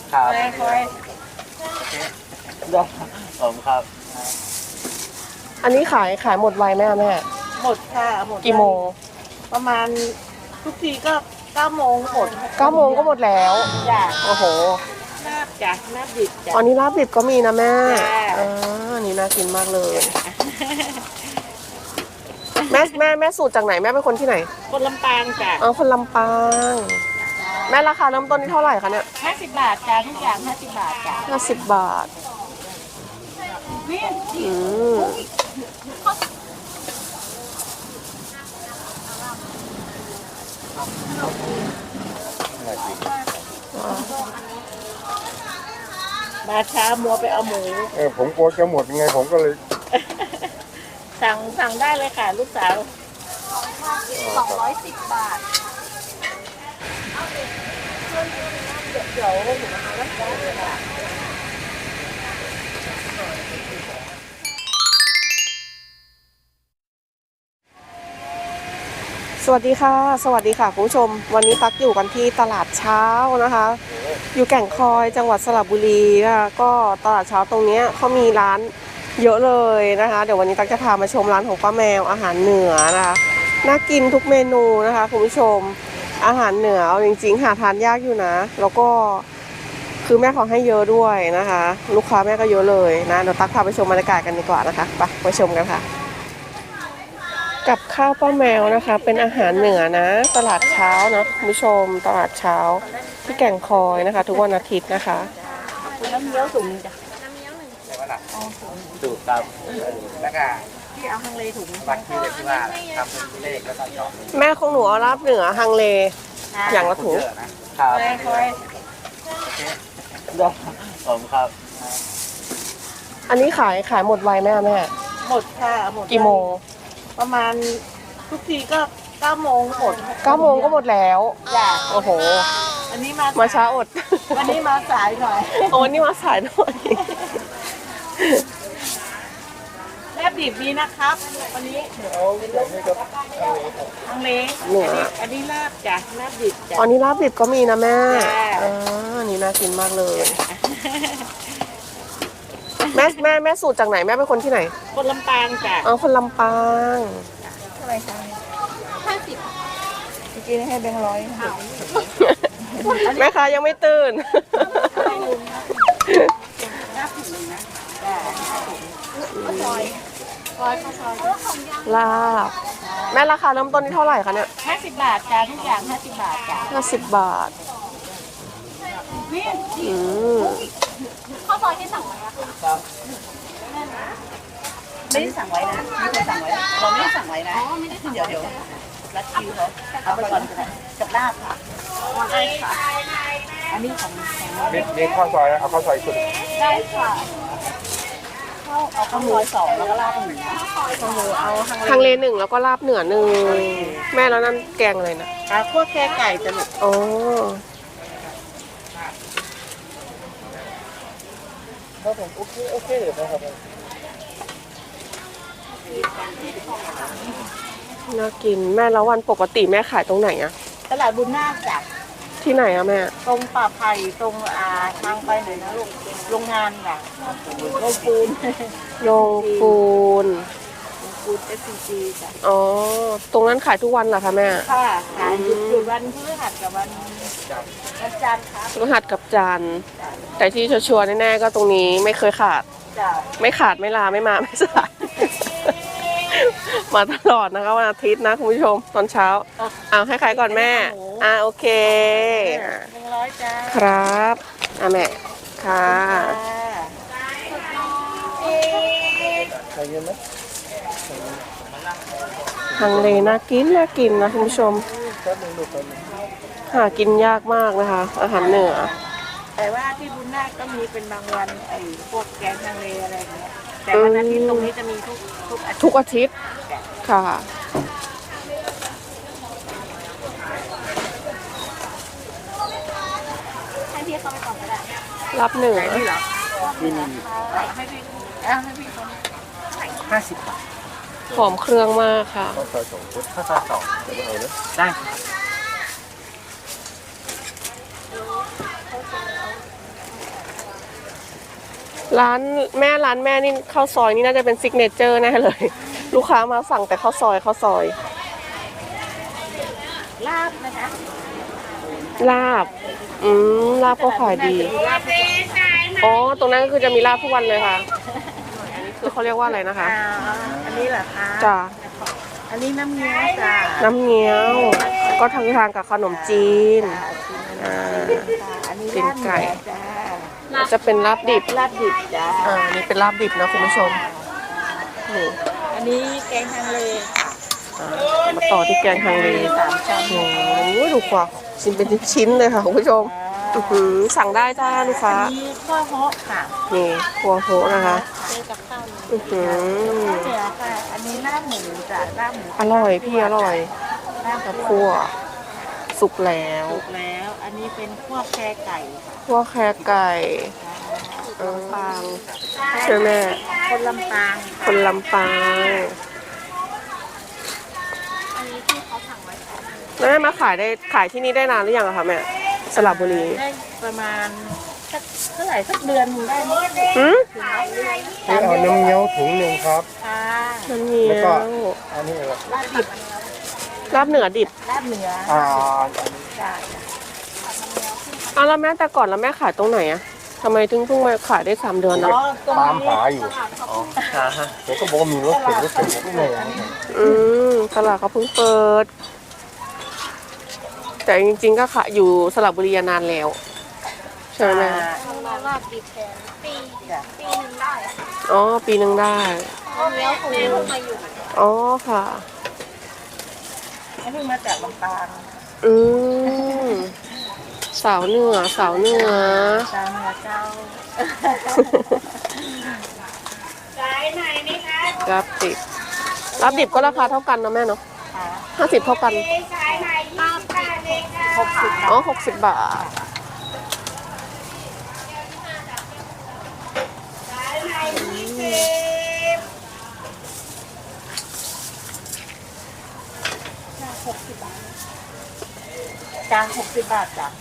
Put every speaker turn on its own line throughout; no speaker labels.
ครับ
คอย
ได้ผมครับ
อันนี้ขายหมดไวไหมอะแม่
หมดค่ะหมด
กี่โมง
ประมาณทุกทีก็9 โมงหมด
9 โมงก็หมดแล้ว
จ้ะ
โอ้โห
ลาบจ้ะลาบดิบจ้ะ
อันนี้ลาบดิบก็มีนะแม่
จ้ะ
อันนี้น่ากินมากเลยแม่สูตรจากไหนแม่เป็นคนที่ไหน
คนลำปางจ้ะ
คนลำปางแม่ราคาเริ่มต้นที่เท่าไหร่คะเนี่ย
50 บาทจ้ะทุกอย่าง50 บาทจ้ะ
50 บาทอืม
มาช้ามัวไปเอาหมู
ผมกลัวจะหมดยังไงผมก็เลย
สั่งได้เลยค่ะลูกสาว210 บาทเดี๋ยวหนูนะคะแล้วได้เลยค่ะ
สวัสดีค่ะคุณผู้ชมวันนี้ตักอยู่กันที่ตลาดเช้านะคะอยู่แก่งคอยจังหวัดสระบุรีนะคะก็ตลาดเช้าตรงนี้เขามีร้านเยอะเลยนะคะเดี๋ยววันนี้ตักจะพามาชมร้านของป้าแมวอาหารเหนือนะคะน่ากินทุกเมนูนะคะคุณผู้ชมอาหารเหนือจริงๆหาทานยากอยู่นะแล้วก็คือแม่ขอให้เยอะด้วยนะคะลูกค้าแม่ก็เยอะเลยนะเดี๋ยวตักพาไปชมบรรยากาศกันดีกว่านะคะไปชมกันค่ะกับข้าวป้าแมวนะคะเป็นอาหารเหนือนะตลาดเช้านะคุณผู้ชมตลาดเช้าที่แก่งคอยนะคะทุกวันอาทิตย์นะคะ
น้ำเงี้ยวถุงจ้ะ
ถูกครับแล้วก็
ที่เอาฮังเลถุง
บัตรที่เด็กที่ว่าทำเป็นเลขแล้วก็จอด
แม่ของหนูเอาลาบเหนือฮังเลอย่างละถุง
ครับ
คอย
ได้ผมครับ
อันนี้ขายหมดไวไหมแม่
หมดค่ะหมด
กี่โมง
ประมาณทุกทีก็9 โมงหมด
9 โมงก็หมดแล้ว
จ้ะ
โอ้โห
อันนี้
มาช้าอด
วันนี้มาสายหน่อย
วันนี้มาสายหน่อย
แลบดิบดีนะครับวันนี้ทางเล้งอันนี้ลาบจ้ะลาบดิบจ้ะ
อันนี้ลาบดิบก็มีนะแม่อันนี้น่ากินมากเลยแม่สูตรจากไหนแม่เป็นคนที่ไหน
คนลำปางจ้ะ
คนลำปาง
เท่าไหร่คะ50เมื่อกี้ให้แบงค์100
แม่ค้ายังไม่ตื่นลาบแม่ราคาเริ่มต้นที่เท่าไหร่คะเนี่ย
50 บาทจ้ะทุกอย่าง50 บาทจ้ะ
50 บาท
ข้าวซอยที่สั่งไว้ครับไม่ได้สั่งไว้นะไม่ได้สั่งไว้เราไม่ได้สั่งไว้นะเดี๋ยวรัดคิวเขาเอาไปก่อนกับลาบค่ะได้ค่ะอันนี้ของ
มีข้าวซอยเอาข้าวซอยสุด
ได้ค่ะเอาข้าวซอย2แล้วก็ลาบ1ข้าวหมูเอา
ฮังเล1แล้วก็ลาบเหนือ1แม่แล้วนั่นแกงเลยนะ
คั่วแค่ไก่จะหนุก
ครับผมโอเคเลยนะครับ
น่ากินแม่แล้ววันปกติแม่ขายตรงไหนอะ
ตลาดบุญนาคจ้ะ
ที่ไหนอะแม่
ตรงป่าไผ่ตรงทางไปไหนนะลูกโรงงานค่ะโรงปูนSCG จ้ะ
ตรงนั้นขายทุกวันเหรอคะแม่
ค่ะขายหยุดวันพฤหัสกับวันจันทร์ค่ะ
พฤหัสกับจันทร์แต่ที่ชัวร์ๆแน่ๆก็ตรงนี้ไม่เคยขาดไม่ขาดไม่ลาไม่มาไม่สายมาตลอดนะคะวันอาทิตย์นะคุณผู้ชมตอนเช้าให้ใครก่อนแม่โอเค
100จ้า
ครับแม่ค่ะ
ใครเย็นไหม
ฮังเลน่ากินนะคุณผู้ชมหากินยากมากนะคะอาหารเหนือ
แต่ว่าที่บุญนาคก็มีเป็นบางวันพวกแกงฮังเลอะไรอย่างเงี้ยแต่วันอาทิตย์ตรงนี้จะมี
ทุกอาทิตย์ค่ะ
ให้พี่เข้าไปก่อนก็ได้
รับเหนือ
นี่เหรอให้พี่คน
50 บาท
หอมเครื่องมากค่ะ
ข้าวซอย2ชุดข้าวซอย2เดี๋ยวเอาเลยได้ครับ
ร้านแม่นี่ข้าวซอยนี่น่าจะเป็นซิกเนเจอร์แน่เลย ลูกค้ามาสั่งแต่ข้าวซอย
ลาบนะคะ
ลาบลาบก็ขายดี
ลาบ
อ๋อตรงนั้นก็คือจะมีลาบทุกวันเลยค่ะอันนี้คือเขาเรียกว่าอะไรนะคะ
อันนี้เหรอคะ
จ้า
อันนี้น้ำเงี้ยวจ้ะ
น้ำเงี้ยว ก็ทางกับขนมจีน
อันนี้
เป็นไก่
ลาบเนื้อจ้า
จะเป็นลาบดิบ
ลาบดิบจ้า
นี่เป็นลาบดิบนะคุณผู้ชมนี่
อันนี้แกงฮังเลค่ะ
มาต่อที่แกงฮังเล
3 ช้อน
โอ้โหดูกว่าชิ้นเป็นชิ้นเลยค่ะคุณผู้ชมสั่งได้จ้าลูกค้า
อันนี้ข้าวโฮะค่ะ
นี่ครัวโฮนะคะ
เจอกับข้าวเหนียว
อื้อหือ
เหนียวค่ะ อันนี้ลาบหมูจ้ะลาบหมู
อร่อยพี่อร่อย
ลาบกับ
คั่วสุกแล้ว
สุกแล้ว อันนี้เป็นคั่วแครไก่ค่ะ
คั่วแครไก่ปางใช่ไหม
คนลำปาง
คนลำปาง
อันนี้ที่เขาสั่งไว้
แล้วแม่มาขายที่นี่ได้นานหรือยังอะคะแม่สระบุรี
ได้ประมาณสักเท่าไหร่สักเดือนหนึงได้ไหม
หืม
นี่เอาน้ำเงี้ยวถุงหนึ่งครับ
ค่ะ
น้ำเงี้
แล้ว
ย
ก็
ว
อันนี้อะไร
ลาบดิบ
ลาบเหนือดิบ
ลาบเหนือ
อ่า
จ้ะ
แล้วแม่แต่ก่อนแล้วแม่ขายตรงไหนอะทำไมถึงเพิ่งมาขายได้3 เดือนนะ
อ๋อตรง
ตาม
นี้
หาอยู่ผมก็บอกว่ามีรถเข็นผมก็ไม่เอา
ตลาดเขาเพิ่งเปิด แต่จริงๆก็ขายอยู่สระบุรีนานแล้ว ใช่ไหมแม่
ลาบดิบแทนปีจ้ะปีนึงได้
อ๋อปีหนึ่งได้
เนี้ยคุณแม่เพิ่งมาอยู่
อ๋อค่ะ
เพิ่งมาจากลำปาง
อืมสาวเหนือ
ตามเหนือเจ้า
รับดิบก็ราคาเท่ากันนะแม่เนาะ
ค่ะ
50เท่ากัน
60
อ๋อ60 บาท
จาน60 บาทจ้ะ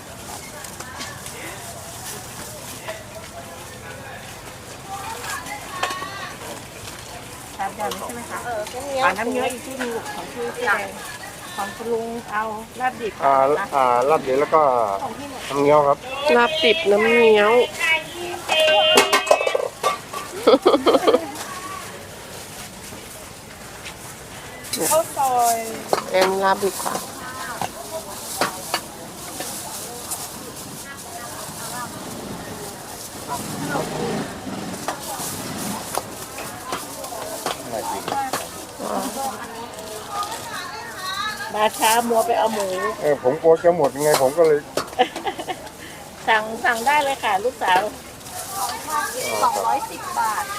3 อย่างนี้ใช่ไหมคะน้ำเยอะอีกที่หนึงของที่แดงของคุณลุงเอาลาบดิบ
ลาบเดี๋ยวแล้วก็น้ำเงี้ยวครับ
ลาบดิบน้ำเงี้ยว
ข้าวซอย
เป็นลาบดิบค่ะ
มาช้ามัวไปเอาหมู
ผมกลัวจะหมดยังไงผมก็เลย
สั่งได้เลยค่ะ ลูกสาว210 บาท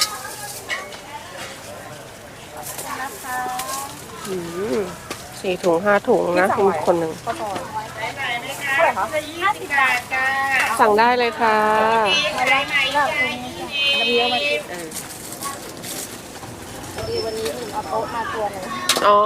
นะคะ
4 ถุง 5 ถุงนะมีคนหนึ่ง
ข้าวซอยเท่าไหร่คะ50 บาทจ้า
สั่งได้เลยค่ะ
มาได้ไหมล่ะคุณน้ำเยอะมาติดวันนี้เอาโต๊ะมาตัวหนึง
อ๋อ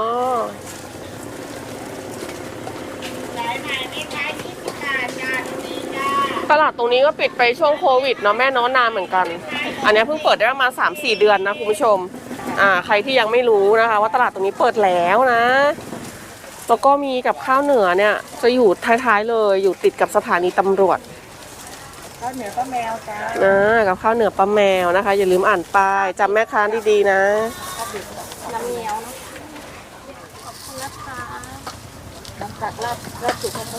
ตลาดตรงนี้ก็ปิดไปช่วงโควิดเนาะแม่เนาะนานเหมือนกัน อันนี้เพิ่งเปิดได้ประมาณ3-4 เดือนนะคุณผู้ชม ใครที่ยังไม่รู้นะคะ ว่าตลาดตรงนี้เปิดแล้วนะ แล้วก็มีกับข้าวเหนือเนี่ยจะอยู่ท้ายๆเลย อยู่ติดกับสถานีตำรวจ
ข้าวเหนียวข้าวแมวจ้า
กับข้าวเหนือป้าแมวนะคะ อย่าลืมอ่านป้ายจำแม่ค้าดีๆนะ
น้ำเงี้ยวนะขอบคุณนะคะน้ำตักลาบสุกเขา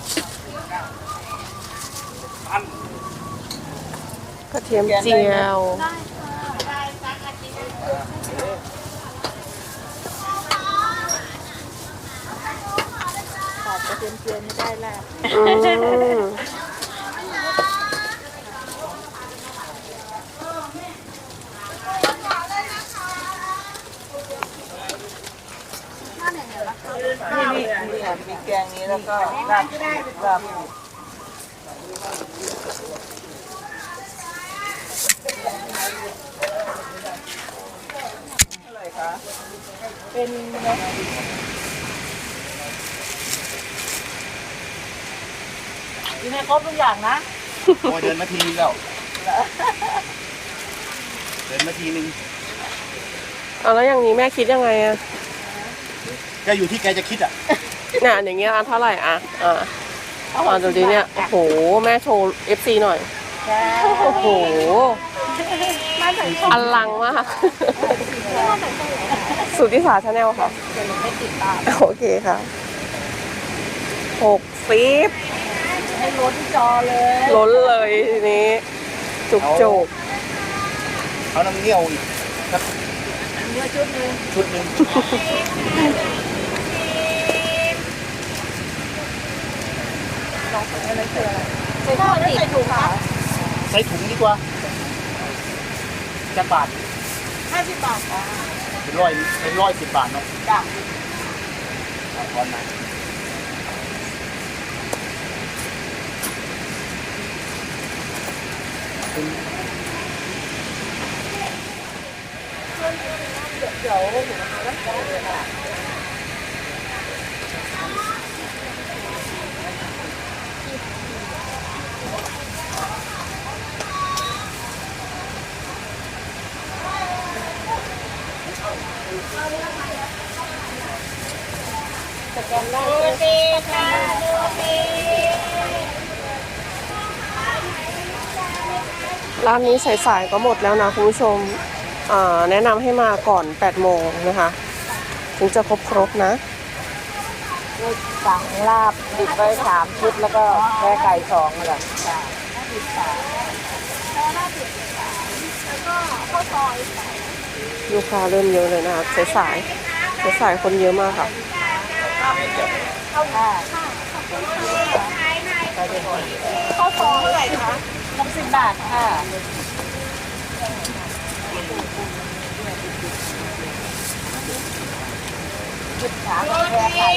กระเทียมเจียว
ขาดกระเทียมเจียวไม่ได้ลาบ
อืม
นี่ค่ะมีแกงนี้แล้วก็ลาบลาบอะไรคะเป็นกินให้ครบทุกอย่างนะ
โอ้เดินมาทีแล้วเดินมาทีนึง
เอาแล้วอย่างนี้แม่คิดยังไงอะ
ก็อยู่ที่แกจะคิดอ่ะ
เนี่ยอย่างเงี้ยเท่าไหร่อะดูดิเนี่ยโอ้โหแม่โชว์ FC หน่อยโอ้โหอลังมากสุทธิสาชาแนลค่ะโอเคค่ะ60
ให้ล้นจอเลย
ล้นเลยทีนี้จุกจุก
เอาน้ำเงี้ยวอีกสัก
เนื้อชุดนึง
ชุดหนึ่ง
อะไรคืออะไรใส่ถุงใส่ถุงค่ะ
ใส่ถุงดีกว่าจะบาท
50 บาทค่ะ
เป็น110 บาทเนาะ
จ้ะ
เอาก่อนนะ
ร้านนี้สายๆก็หมดแล้วนะคุณผู้ชมแนะนำให้มาก่อน8โมงนะคะถึงจะครบนะ
สั่งลาบดิบไว้3 ชุดแล้วก็แค่ไก่2นั่นแหละจ้ะ50 บาท
ลูกค้าเริ่มเยอะเลยนะคะสายๆคนเยอะมากค่ะ
ข้าวซอยเท่าไหร่คะ60 บาทค่ะ13แค่ไก่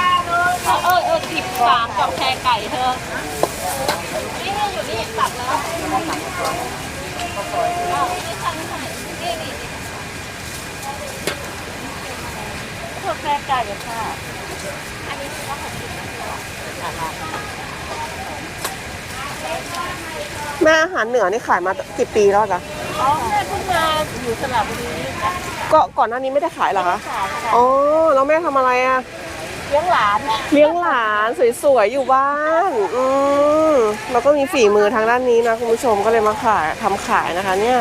13กับแค่ไก่เธอนี่อยู่นี่ตัดแล้วแค่ไก่ค่ะ
แม่อาหารเหนือนี่ขายมากี่ปีแล้วจ๊ะ
อ๋อแม่เพิ่งมาอยู่สระบุรีค่ะ
ก็ก่อนหน้านี้ไม่ได้ขายเหรอคะ
ขายค่ะ
อ๋อแล้วแม่ทำอะไรอะ
เลี้ยงหลาน
เลี้ยงหลานสวยๆอยู่บ้านแล้วก็มีฝีมือทางด้านนี้นะคุณผู้ชมก็เลยมาทำขายนะคะเนี่ย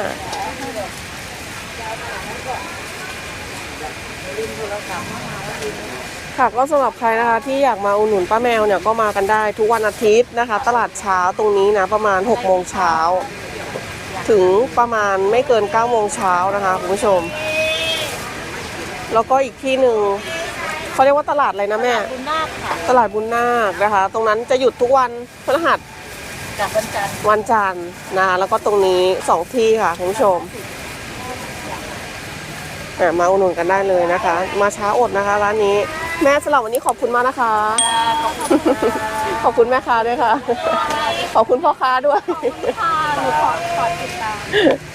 ค่ะก็สำหรับใครนะคะที่อยากมาอุดหนุนป้าแมวเนี่ยก็มากันได้ทุกวันอาทิตย์นะคะ ตลาดเช้าตรงนี้นะประมาณ6โมงเช้าถึงประมาณไม่เกิน9โมงเช้านะคะคุณผู้ชมแล้วก็อีกที่หนึ่งเขาเรียกว่าตลาดอะไรนะแม่
บุญนาคค่ะ
ตลาดบุญนาคนะคะ ตรงนั้นจะหยุดทุกวันพฤหัส
จากวันจันทร์
วันจันทร์นะคะแล้วก็ตรงนี้2ที่ค่ะคุณผู้ชมมาอุดหนุนกันได้เลยนะคะ มาช้าอดนะคะร้านนี้แม่สำหรับวันนี้ขอบคุณมากนะคะ ขอบคุณแม่ค้าด้วยค่ะ ขอบคุณพ่อค้าด้วย
ค่ะหนูขอติดตาม